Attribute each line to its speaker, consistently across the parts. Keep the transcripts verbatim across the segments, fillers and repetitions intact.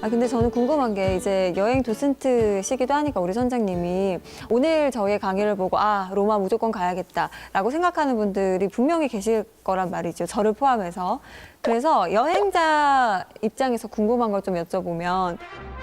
Speaker 1: 아 근데 저는 궁금한 게 이제 여행 도슨트시기도 하니까 우리 선장님이 오늘 저희의 강의를 보고 아 로마 무조건 가야겠다라고 생각하는 분들이 분명히 계실 거란 말이죠. 저를 포함해서. 그래서 여행자 입장에서 궁금한 걸 좀 여쭤보면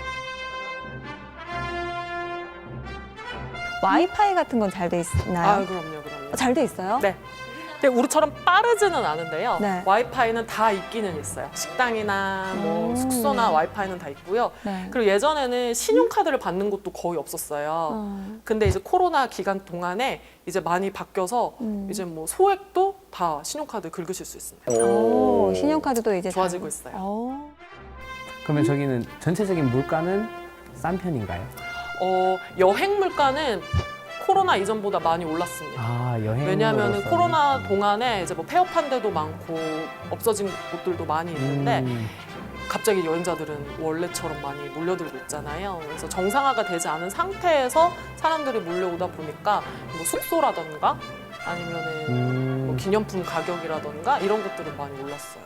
Speaker 1: 와이파이 같은 건 잘 돼 있나요?
Speaker 2: 아, 그럼요, 그럼요.
Speaker 1: 잘 돼 있어요?
Speaker 2: 네. 근데 우리처럼 빠르지는 않은데요.
Speaker 1: 네.
Speaker 2: 와이파이는 다 있기는 있어요. 식당이나 뭐
Speaker 1: 음.
Speaker 2: 숙소나 와이파이는 다 있고요.
Speaker 1: 네.
Speaker 2: 그리고 예전에는 신용카드를 받는 곳도 거의 없었어요.
Speaker 1: 어.
Speaker 2: 근데 이제 코로나 기간 동안에 이제 많이 바뀌어서
Speaker 1: 음.
Speaker 2: 이제 뭐 소액도 다 신용카드 긁으실 수 있습니다.
Speaker 1: 오, 신용카드도 이제
Speaker 2: 좋아지고
Speaker 1: 잘-
Speaker 2: 있어요.
Speaker 1: 어.
Speaker 3: 그러면 저기는 전체적인 물가는 싼 편인가요?
Speaker 2: 어, 여행 물가는 코로나 이전보다 많이 올랐습니다.
Speaker 3: 아, 여행.
Speaker 2: 왜냐하면 코로나 동안에 이제 뭐 폐업한 데도 많고 없어진 곳들도 많이 있는데
Speaker 3: 음,
Speaker 2: 갑자기 여행자들은 원래처럼 많이 몰려들고 있잖아요. 그래서 정상화가 되지 않은 상태에서 사람들이 몰려오다 보니까 뭐 숙소라던가 아니면은
Speaker 3: 음.
Speaker 2: 뭐 기념품 가격이라던가 이런 것들은 많이 올랐어요.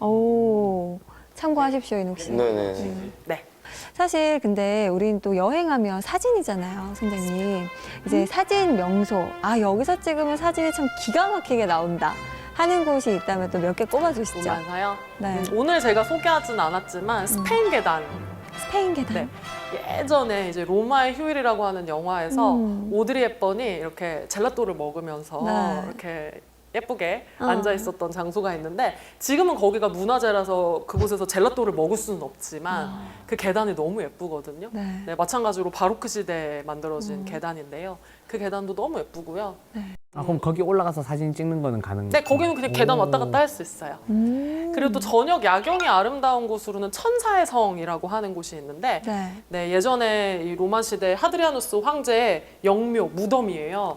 Speaker 1: 오, 참고하십시오, 인욱 씨.
Speaker 4: 네네.
Speaker 2: 네.
Speaker 1: 사실 근데 우린 또 여행하면 사진이잖아요, 선생님. 이제 사진 명소, 아 여기서 찍으면 사진이 참 기가 막히게 나온다 하는 곳이 있다면 또 몇 개 꼽아주시죠.
Speaker 2: 보면서요.
Speaker 1: 네.
Speaker 2: 음, 오늘 제가 소개하지는 않았지만 스페인 계단.
Speaker 1: 스페인 계단.
Speaker 2: 네. 예전에 이제 로마의 휴일이라고 하는 영화에서
Speaker 1: 음.
Speaker 2: 오드리 헵번이 이렇게 젤라또를 먹으면서
Speaker 1: 네.
Speaker 2: 이렇게 예쁘게
Speaker 1: 어.
Speaker 2: 앉아 있었던 장소가 있는데 지금은 거기가 문화재라서 그곳에서 젤라또를 먹을 수는 없지만 그 계단이 너무 예쁘거든요.
Speaker 1: 네.
Speaker 2: 네, 마찬가지로 바로크 시대에 만들어진
Speaker 1: 음.
Speaker 2: 계단인데요. 그 계단도 너무 예쁘고요.
Speaker 3: 아, 그럼 거기 올라가서 사진 찍는 거는 가능?
Speaker 2: 네, 거기는 그냥 계단
Speaker 3: 오.
Speaker 2: 왔다 갔다 할 수 있어요.
Speaker 1: 음.
Speaker 2: 그리고 또 저녁 야경이 아름다운 곳으로는 천사의 성이라고 하는 곳이 있는데
Speaker 1: 네.
Speaker 2: 네, 예전에 이 로마 시대 하드리아누스 황제의 영묘 무덤이에요.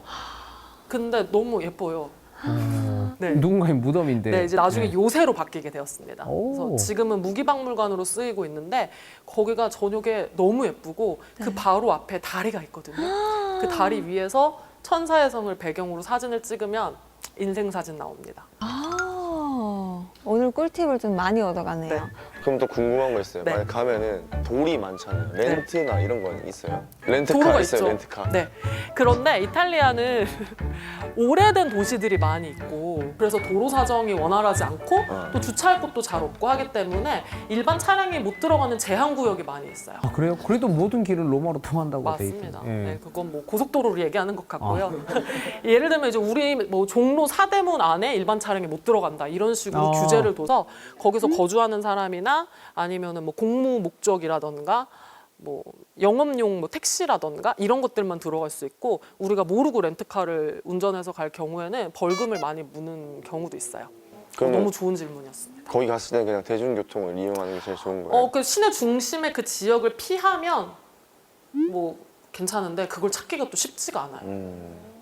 Speaker 2: 근데 너무 예뻐요.
Speaker 3: 어,
Speaker 2: 네.
Speaker 3: 누군가의 무덤인데.
Speaker 2: 네, 이제 나중에
Speaker 3: 네.
Speaker 2: 요새로 바뀌게 되었습니다.
Speaker 3: 오.
Speaker 2: 그래서 지금은 무기박물관으로 쓰이고 있는데 거기가 저녁에 너무 예쁘고 그 바로 앞에 다리가 있거든요. 그 다리 위에서 천사의 성을 배경으로 사진을 찍으면 인생 사진 나옵니다.
Speaker 1: 아, 오늘 꿀팁을 좀 많이 얻어가네요.
Speaker 2: 네.
Speaker 4: 그럼 또 궁금한 거 있어요.
Speaker 2: 네.
Speaker 4: 만약 가면은 돌이 많잖아요. 렌트나 이런 건 있어요? 렌트카
Speaker 2: 도로가
Speaker 4: 있어요,
Speaker 2: 있죠.
Speaker 4: 렌트카.
Speaker 2: 네. 그런데 이탈리아는 오래된 도시들이 많이 있고 그래서 도로 사정이 원활하지 않고
Speaker 4: 어.
Speaker 2: 또 주차할 곳도 잘 없고 하기 때문에 일반 차량이 못 들어가는 제한 구역이 많이 있어요.
Speaker 3: 아, 그래요? 그래도 모든 길은 로마로 통한다고 돼
Speaker 2: 맞습니다.
Speaker 3: 있죠. 예.
Speaker 2: 네, 그건 뭐 고속도로를 얘기하는 것 같고요. 예를 들면 이제 우리 뭐 종로 사대문 안에 일반 차량이 못 들어간다 이런 식으로
Speaker 3: 어.
Speaker 2: 규제를 둬서 거기서 거주하는 사람이나 아니면은 뭐 공무 목적이라던가 뭐 영업용 뭐 택시라던가 이런 것들만 들어갈 수 있고 우리가 모르고 렌트카를 운전해서 갈 경우에는 벌금을 많이 무는 경우도 있어요.
Speaker 4: 그러면
Speaker 2: 너무 좋은 질문이었습니다.
Speaker 4: 거기 갔을 때 그냥 대중교통을 이용하는 게 제일 좋은 거예요?
Speaker 2: 어, 그 시내 중심의 그 지역을 피하면 뭐 괜찮은데 그걸 찾기가 또 쉽지가 않아요.
Speaker 4: 음.